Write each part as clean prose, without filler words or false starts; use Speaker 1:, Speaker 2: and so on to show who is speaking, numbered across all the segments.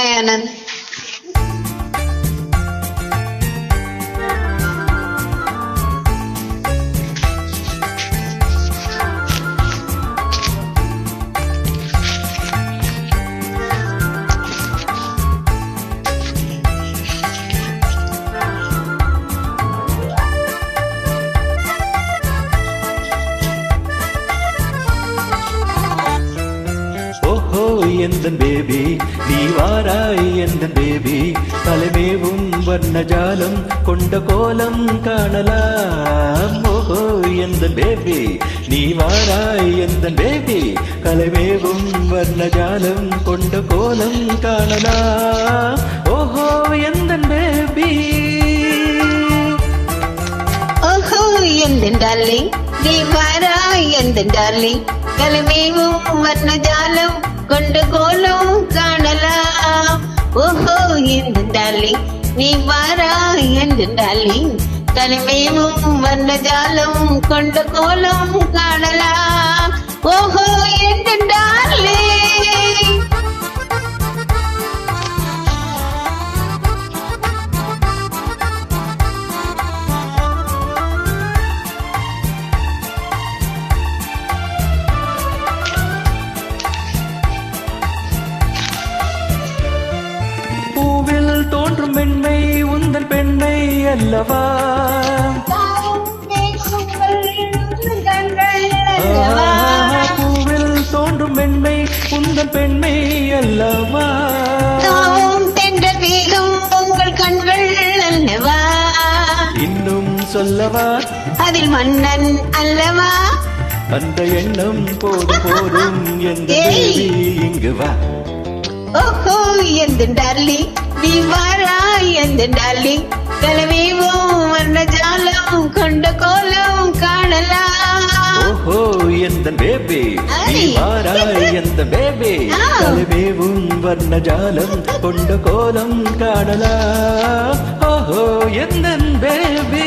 Speaker 1: Hi, Anand.
Speaker 2: எந்தன் baby நீ வாராய் எந்தன் பேபி தலைமேவும் வர்ணஜாலம் கொண்ட கோலம் காணலாம். ஓஹோ எந்தன் பேபி நீ வாராய் எந்தன் பேபி தலைமேவும் வர்ணஜாலம் கொண்ட கோலம் காணலாம். ஓஹோ எந்தன் பேபி
Speaker 1: ஓஹோ எந்தன் டார்லிங் நீ வாராய் எந்தன் டார்லிங் கலமேவும் வர்ணஜாலம் கொண்ட கோலம் காணலாம். ஓஹோ எந்தன் டார்லிங் நீ வாராய் எந்தன் டார்லிங் கலமேவும் வர்ணஜாலம் கொண்ட கோலம் காணலாம். ஓஹோ எந்தன் டார்லிங்
Speaker 2: தோன்றும் பெண்மை உந்தன் பெண்ணை அல்லவா. பூவில் தோன்றும் பெண்மை உந்தன் பெண்ணை அல்லவா.
Speaker 1: உங்கள் கண்கள் அல்லவா.
Speaker 2: இன்னும் சொல்லவா
Speaker 1: அதில் மன்னன் அல்லவா.
Speaker 2: அந்த எண்ணம் போதும் போதும் எந்த இங்கு வா.
Speaker 1: ஓஹோ எந்தன் டார்லிங் நீ வாராய் எந்தன் டார்லிங் கலமேவும் வர்ணஜாலம் கொண்ட கோலம் காணலாம்.
Speaker 2: ஓஹோ எந்தன் பேபி நீ வாராய் எந்தன் பேபி கலமேவும் வர்ணஜாலம் கொண்ட கோலம் காணலாம். ஓஹோ எந்தன் பேபி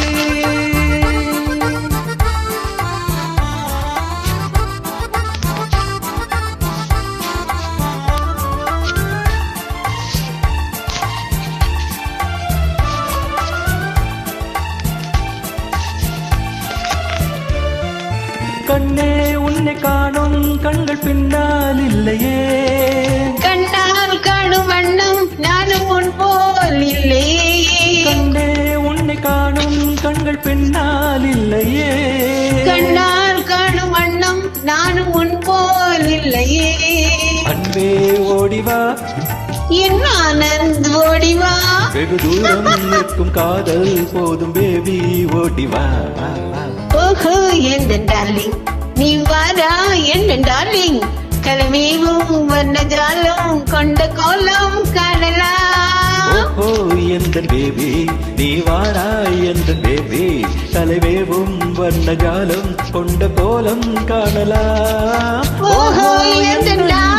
Speaker 2: கண்ணே உன்னை காணும் கண்கள் பின்னால் இல்லையே.
Speaker 1: கண்ணால் காணும் வண்ணம் நானும் உன் போல் இல்லையே.
Speaker 2: கண்ணே உன்னை காணும் கண்கள் பின்னால் இல்லையே.
Speaker 1: கண்ணால் காணும் வண்ணம் நானும் உன் போல் இல்லையே.
Speaker 2: அன்பே ஓடிவா
Speaker 1: என் ஆனந்த் ஓடிவா.
Speaker 2: வெகு தூரம் நிற்கும் காதல் போதும் பேபி ஓடிவா.
Speaker 1: ஓஹோ எந்தன் டார்லிங் நீ வாரா எந்தன் டார்லிங் கலமேவும் வர்ணஜாலம் கொண்ட கோலம் காணலாம்.
Speaker 2: ஓஹோ எந்தன் பேபி நீ வாராய் எந்தன் பேபி தலைவேவும் வர்ணஜாலம் கொண்ட கோலம் காணலாம்.
Speaker 1: ஓஹோ எந்தன்